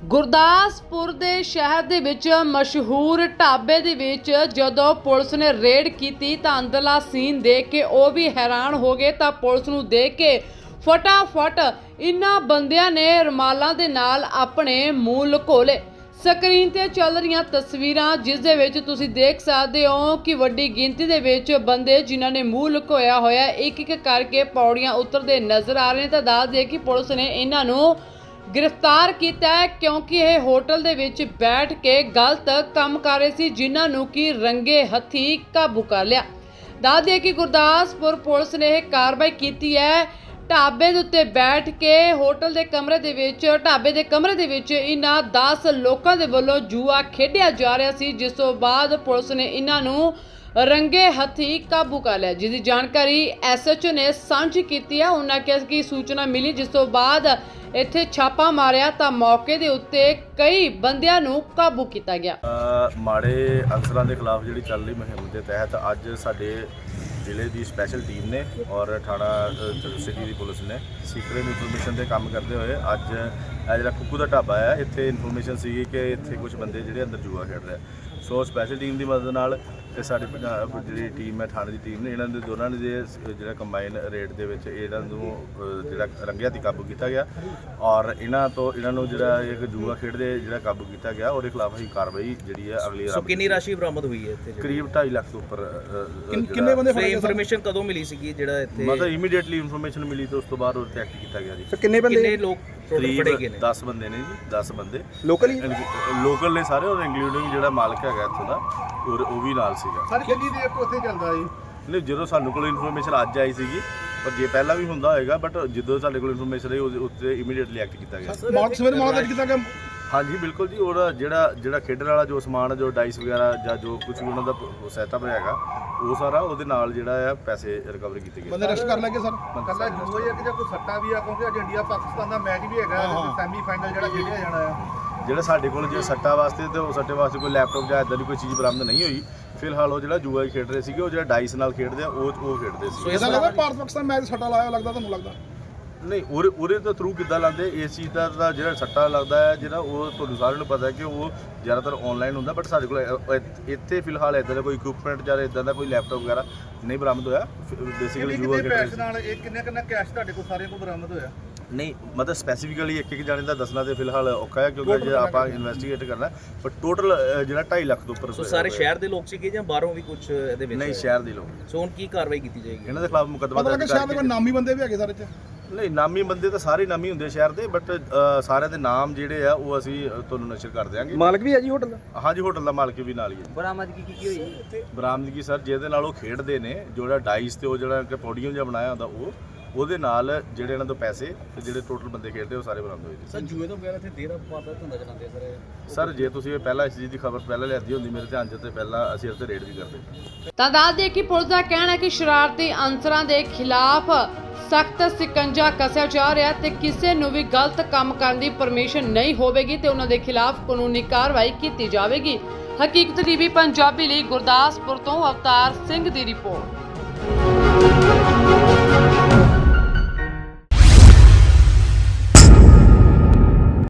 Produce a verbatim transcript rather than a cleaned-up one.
ਗੁਰਦਾਸਪੁਰ ਦੇ ਸ਼ਹਿਰ ਦੇ ਵਿੱਚ ਮਸ਼ਹੂਰ ਢਾਬੇ ਦੇ ਵਿੱਚ ਜਦੋਂ ਪੁਲਿਸ ਨੇ ਰੇਡ ਕੀਤੀ ਤਾਂ ਅੰਦਰਲਾ ਸੀਨ ਦੇਖ ਕੇ ਉਹ ਵੀ ਹੈਰਾਨ ਹੋ ਗਏ। ਤਾਂ ਪੁਲਿਸ ਨੂੰ ਦੇਖ ਕੇ ਫਟਾਫਟ ਇਨ੍ਹਾਂ ਬੰਦਿਆਂ ਨੇ ਰੁਮਾਲਾਂ ਦੇ ਨਾਲ ਆਪਣੇ ਮੂੰਹ ਲੁਕੋ ਲਏ। ਸਕਰੀਨ ਤੇ ਚੱਲ ਰਹੀਆਂ ਤਸਵੀਰਾਂ ਜਿਸ ਦੇ ਵਿੱਚ ਤੁਸੀਂ ਦੇਖ ਸਕਦੇ ਹੋ ਕਿ ਵੱਡੀ ਗਿਣਤੀ ਦੇ ਵਿੱਚ ਬੰਦੇ ਜਿਨ੍ਹਾਂ ਨੇ ਮੂੰਹ ਲੁਕੋਇਆ ਹੋਇਆ ਇੱਕ ਇੱਕ ਕਰਕੇ ਪੌੜੀਆਂ ਉਤਰਦੇ ਨਜ਼ਰ ਆ ਰਹੇ ਨੇ। ਤਾਂ ਦੱਸ ਦੇ ਕਿ ਪੁਲਿਸ ਨੇ ਇਹਨਾਂ ਨੂੰ गिरफ्तार किया है क्योंकि यह होटल दे विच बैठ के गलत काम कर रहे सी जिन्हां नूं कि रंगे हथी काबू कर लिया। दस दिए कि गुरदासपुर पुलिस ने यह कार्रवाई की है। ढाबे दे उत्ते बैठ के होटल दे कमरे दे विच ढाबे दे कमरे दे विच इन्हां दस लोकां दे वल्लों जुआ खेडिया जा रहा सी जिस तों बाद पुलिस ने इन्हां नूं रंगे हथी काबू कर लिया। जिसकी जानकारी एस एच ओ ने सांझी की है। उन्होंने कहा कि सूचना मिली जिस तो बाद ਇੱਥੇ ਛਾਪਾ ਮਾਰਿਆ ਤਾਂ ਮੌਕੇ ਦੇ ਉੱਤੇ ਕਈ ਬੰਦਿਆਂ ਨੂੰ ਕਾਬੂ ਕੀਤਾ ਗਿਆ। ਮਾੜੇ ਅਨਸਰਾਂ ਦੇ ਖਿਲਾਫ ਜਿਹੜੀ ਚੱਲ ਰਹੀ ਮੁਹਿੰਮ ਦੇ ਤਹਿਤ ਅੱਜ ਸਾਡੇ ਜ਼ਿਲ੍ਹੇ ਦੀ ਸਪੈਸ਼ਲ ਟੀਮ ਨੇ ਔਰ ਥਾਣਾ ਸਿਟੀ ਦੀ ਪੁਲਿਸ ਨੇ ਸੀਕ੍ਰੇਟ ਇਨਫੋਰਮੇਸ਼ਨ ਤੇ ਕੰਮ ਕਰਦੇ ਹੋਏ ਅੱਜ ਇਹ ਜਿਹੜਾ ਕੁੱਕੂ ਦਾ ਢਾਬਾ ਹੈ ਇੱਥੇ ਇਨਫੋਰਮੇਸ਼ਨ ਸੀਗੀ ਕਿ ਇੱਥੇ ਕੁਝ ਬੰਦੇ ਜਿਹੜੇ ਅੰਦਰ ਜੂਆ ਖੇਡ ਰਹੇ। ਸੋ ਸਪੈਸ਼ਲ ਟੀਮ ਦੀ ਮਦਦ ਨਾਲ ਤੇ ਸਾਡੀ ਜਿਹੜੀ ਟੀਮ ਹੈ ਥਾਣੇ ਦੀ ਟੀਮ ਨੇ ਇਹਨਾਂ ਦੇ ਦੋਨਾਂ ਨੇ ਜਿਹੜਾ ਕੰਬਾਈਨ ਰੇਟ ਦੇ ਵਿੱਚ ਇਹਨਾਂ ਨੂੰ ਜਿਹੜਾ ਰੰਗਿਆ ਦੀ ਕਾਬੂ ਕੀਤਾ ਗਿਆ ਔਰ ਇਹਨਾਂ ਤੋਂ ਇਹਨਾਂ ਨੂੰ ਜਿਹੜਾ ਇੱਕ ਜੂਆ ਖੇਡਦੇ ਜਿਹੜਾ ਕਾਬੂ ਕੀਤਾ ਗਿਆ ਉਹਦੇ ਖਿਲਾਫ ਅਸੀਂ ਕਾਰਵਾਈ ਜਿਹੜੀ ਹੈ ਅਗਲੀ ਸੋ ਕਿੰਨੀ ਰਾਸ਼ੀ ਬਰਾਮਦ ਹੋਈ ਹੈ ਇੱਥੇ? ਕਰੀਬ ਢਾਈ ਲੱਖ ਤੋਂ ਉੱਪਰ। ਕਿੰਨੇ ਬੰਦੇ ਫੜੇ? ਇਨਫੋਰਮੇਸ਼ਨ ਕਦੋਂ ਮਿਲੀ ਸੀਗੀ ਜਿਹੜਾ ਇੱਥੇ? ਮਤਲਬ ਇਮੀਡੀਏਟਲੀ ਇਨਫੋਰਮੇਸ਼ਨ ਮਿਲੀ ਤੇ ਉਸ ਤੋਂ ਬਾਅਦ ਉਹ ਤੇ ਐਕਟ ਕੀਤਾ ਗਿਆ ਜੀ। ਸੋ ਕਿੰਨੇ ਬੰਦੇ ਕਿੰਨੇ ਲੋਕ ਟੋਟਲ ਫੜੇ ਗਏ ਨੇ? ਦਸ ਬੰਦੇ ਨੇ ਜੀ, ਦਸ ਬੰਦੇ ਲੋਕਲ ਹੀ ਲੋਕਲ ਨੇ ਸਾਰੇ ਔਰ ਇੰਕਲੂਡਿੰਗ ਜਿਹੜਾ ਮਾਲਕ ਹੈਗਾ ਇੱਥੋਂ ਦਾ ਔਰ ਉਹ ਵੀ ਨਾਲ ਸੀਗਾ। ਸਰ ਕਿੰਨੀ ਦੇਰ ਤੋਂ ਉੱਥੇ ਚੱਲਦਾ ਜੀ? ਨਹੀਂ ਜਦੋਂ ਸਾਨੂੰ ਕੋਲ ਇਨਫੋਰਮੇਸ਼ਨ ਅੱਜ ਆਈ ਸੀਗੀ ਪਰ ਜੇ ਪਹਿਲਾਂ ਵੀ ਹੁੰਦਾ ਹੋਏਗਾ ਬਟ ਜਦੋਂ ਸਾਡੇ ਕੋਲ ਇਨਫੋਰਮੇਸ਼ਨ ਆਈ ਉਹਦੇ ਉੱਤੇ ਇਮੀਡੀਏਟਲੀ ਐਕਟ ਕੀਤਾ ਗਿਆ। ਮਾਰਕ ਸਵੇਰ ਮਾਰਕ ਕੀਤਾ ਗਿਆ? ਹਾਂਜੀ ਬਿਲਕੁਲ ਜੀ। ਉਹਦਾ ਜਿਹੜਾ ਜਿਹੜਾ ਖੇਡਣ ਵਾਲਾ ਜੋ ਸਮਾਨ ਜੋ ਡਾਈਸ ਵਗੈਰਾ ਜਾਂ ਜੋ ਕੁਝ ਵੀ ਉਹਨਾਂ ਦਾ ਸੈਟਅਪ ਹੈਗਾ ਉਹ ਸਾਰਾ ਉਹਦੇ ਨਾਲ ਜਿਹੜਾ ਆ ਪੈਸੇ ਰਿਕਵਰ ਕੀਤੇ ਗਏ। ਬੰਦੇ ਰੈਸਟ ਕਰ ਲੱਗੇ ਸਰ? ਕੱਲਾ ਜੂਆ ਹੀ ਹੈ ਕਿ ਜਾਂ ਕੋਈ ਸੱਟਾ ਵੀ ਆ ਕਿਉਂਕਿ ਅੱਜ ਇੰਡੀਆ ਪਾਕਿਸਤਾਨ ਦਾ ਮੈਚ ਵੀ ਹੈਗਾ ਸੈਮੀ ਫਾਈਨਲ ਜਿਹੜਾ ਖੇਡਿਆ ਜਾਣਾ ਆ। ਜਿਹੜਾ ਸਾਡੇ ਕੋਲ ਜੇ ਸੱਟਾ ਵਾਸਤੇ ਤੇ ਉਹ ਸੱਟੇ ਵਾਸਤੇ ਕੋਈ ਲੈਪਟਾਪ ਜਾਂ ਇਦਾਂ ਦੀ ਕੋਈ ਚੀਜ਼ ਬਰਾਮਦ ਨਹੀਂ ਹੋਈ। ਫਿਲਹਾਲ ਉਹ ਜਿਹੜਾ ਜੂਆ ਖੇਡ ਰਹੇ ਸੀਗੇ ਉਹ ਜਿਹੜਾ ਡਾਈਸ ਨਾਲ ਖੇਡਦੇ ਆ ਉਹ ਉਹ ਖੇਡਦੇ ਸੀ। ਇਹਦਾ ਲੱਗਦਾ ਭਾਰਤ ਪਾਕਿਸਤਾਨ ਮੈਚ ਸੱਟਾ ਲਾਇਆ ਲੱਗਦਾ ਤੁਹਾਨੂੰ ਲੱਗਦਾ? ਨਹੀਂ ਉਹਦੇ ਉਹਦੇ ਤੋਂ ਥਰੂ ਕਿੱਦਾਂ ਲਾਉਂਦੇ ਇਸ ਚੀਜ਼ ਦਾ ਦਾ ਜਿਹੜਾ ਸੱਟਾ ਲੱਗਦਾ ਹੈ ਜਿਹੜਾ ਉਹ ਤੁਹਾਨੂੰ ਸਾਰਿਆਂ ਨੂੰ ਪਤਾ ਹੈ ਕਿ ਉਹ ਜ਼ਿਆਦਾਤਰ ਆਨਲਾਈਨ ਹੁੰਦਾ ਬਟ ਸਾਡੇ ਕੋਲ ਇੱਥੇ ਫਿਲਹਾਲ ਇਦਾਂ ਦਾ ਕੋਈ ਇਕਵਿਪਮੈਂਟ ਜਾਂ ਇਦਾਂ ਦਾ ਕੋਈ ਲੈਪਟਾਪ ਵਗੈਰਾ ਨਹੀਂ ਬਰਾਮਦ ਹੋਇਆ। ਬੇਸਿਕਲੀ ਜੂਆ ਖੇਡ ਨਾਲ ਇਹ ਕਿੰਨੇ ਕਿੰਨਾ ਕੈਸ਼ ਤੁਹਾਡੇ ਕੋਲ ਸਾਰਿਆਂ ਕੋਲ ਬਰਾਮਦ ਹੋਇਆ? ਨਹੀਂ ਮਤਲਬ ਸਪੈਸੀਫਿਕਲੀ ਇੱਕ ਇੱਕ ਜਾਣੇ ਦਾ ਦੱਸਣਾ ਤੇ ਫਿਲਹਾਲ ਔਖਾ ਹੈ ਕਿਉਂਕਿ ਜੇ ਆਪਾਂ ਇਨਵੈਸਟੀਗੇਟ ਕਰਨਾ ਪਰ ਟੋਟਲ ਜਿਹੜਾ ਢਾਈ ਲੱਖ ਤੋਂ ਉੱਪਰ। ਸੋ ਸਾਰੇ ਸ਼ਹਿਰ ਦੇ ਲੋਕ ਸੀਗੇ ਜਾਂ ਬਾਹਰੋਂ ਵੀ ਕੁਝ ਇਹਦੇ ਵਿੱਚ? ਨਹੀਂ ਸ਼ਹਿਰ ਦੇ ਲੋਕ। ਸੋ ਹੁਣ ਕੀ ਕਾਰਵਾਈ ਕੀਤੀ ਜਾਏਗੀ? ਇਹਨਾਂ ਦੇ ਖਿਲਾਫ ਮੁਕੱਦਮਾ ਦਰਜ ਕਰਕੇ। ਸ਼ਹਿਰ ਦੇ ਕੋਈ ਨਾਮੀ ਬੰਦੇ ਵੀ ਹੈਗੇ ਸਾਰੇ ਚ? ਨਹੀਂ ਨਾਮੀ ਬੰਦੇ ਤਾਂ ਸਾਰੇ ਨਾਮੀ ਹੁੰਦੇ ਸ਼ਹਿਰ ਦੇ ਬਟ ਸਾਰਿਆਂ ਦੇ ਨਾਮ ਜਿਹੜੇ ਆ ਉਹ ਅਸੀਂ ਤੁਹਾਨੂੰ ਨਸ਼ਰ ਕਰ ਦਿਆਂਗੇ। ਮਾਲਕ ਵੀ ਹੈ ਜੀ ਹੋਟਲ ਦਾ? ਹਾਂਜੀ ਹੋਟਲ ਦਾ ਮਾਲਕ ਵੀ ਨਾਲ ਹੀ ਹੈ। ਬਰਾਮਦਗੀ ਕੀ ਕੀ ਹੋਈ? ਬਰਾਮਦਗੀ ਸਰ ਜਿਹਦੇ ਨਾਲ ਉਹ ਖੇਡਦੇ ਨੇ ਜਿਹੜਾ ਡਾਈਸ ਤੇ ਉਹ ਜਿਹੜਾ ਪੋਡੀਅਮ ਜਿਹਾ ਬਣਾਇਆ ਹੁੰਦਾ ਉਹ ਉਹਦੇ ਨਾਲ ਜਿਹੜੇ ਇਹਨਾਂ ਤੋਂ ਪੈਸੇ ਤੇ ਜਿਹੜੇ ਟੋਟਲ ਬੰਦੇ ਖੇਡਦੇ ਉਹ ਸਾਰੇ ਬਰਾਮਦ ਹੋਏ। ਸਰ ਜੂਏ ਤੋਂ ਬਗੈਰ ਇੱਥੇ ਦੇਰ ਵਪਾਰ ਦਾ ਧੰਦਾ ਚਲਾਉਂਦੇ ਸਰ? ਸਰ ਜੇ ਤੁਸੀਂ ਪਹਿਲਾਂ ਇਸ ਚੀਜ਼ ਦੀ ਖਬਰ ਪਹਿਲਾਂ ਲਿਆਦੀ ਹੁੰਦੀ ਮੇਰੇ ਧਿਆਨ 'ਚ ਤੇ ਪਹਿਲਾਂ ਅਸੀਂ ਇਸ ਤੇ ਰੇਡ ਵੀ ਕਰਦੇ। ਤਾਂ ਦੱਸ ਦੇ ਕਿ ਪੁਲਿਸ ਦਾ ਕਹਿਣਾ ਹੈ ਕਿ ਸ਼ਰਾਰਤੀ ਅਨਸਰਾਂ ਦੇ ਖਿਲਾਫ ਸਖਤ ਸਿਕੰਜਾ ਕੱਸਿਆ ਜਾ ਰਿਹਾ ਤੇ ਕਿਸੇ ਨੂੰ ਵੀ ਗਲਤ ਕੰਮ ਕਰਨ ਦੀ ਪਰਮਿਸ਼ਨ ਨਹੀਂ ਹੋਵੇਗੀ ਤੇ ਉਹਨਾਂ ਦੇ ਖਿਲਾਫ ਕਾਨੂੰਨੀ ਕਾਰਵਾਈ ਕੀਤੀ ਜਾਵੇਗੀ। ਹਕੀਕਤ ਟੀਵੀ ਪੰਜਾਬੀ ਲਈ ਗੁਰਦਾਸਪੁਰ ਤੋਂ ਅਵਤਾਰ ਸਿੰਘ ਦੀ ਰਿਪੋਰਟ।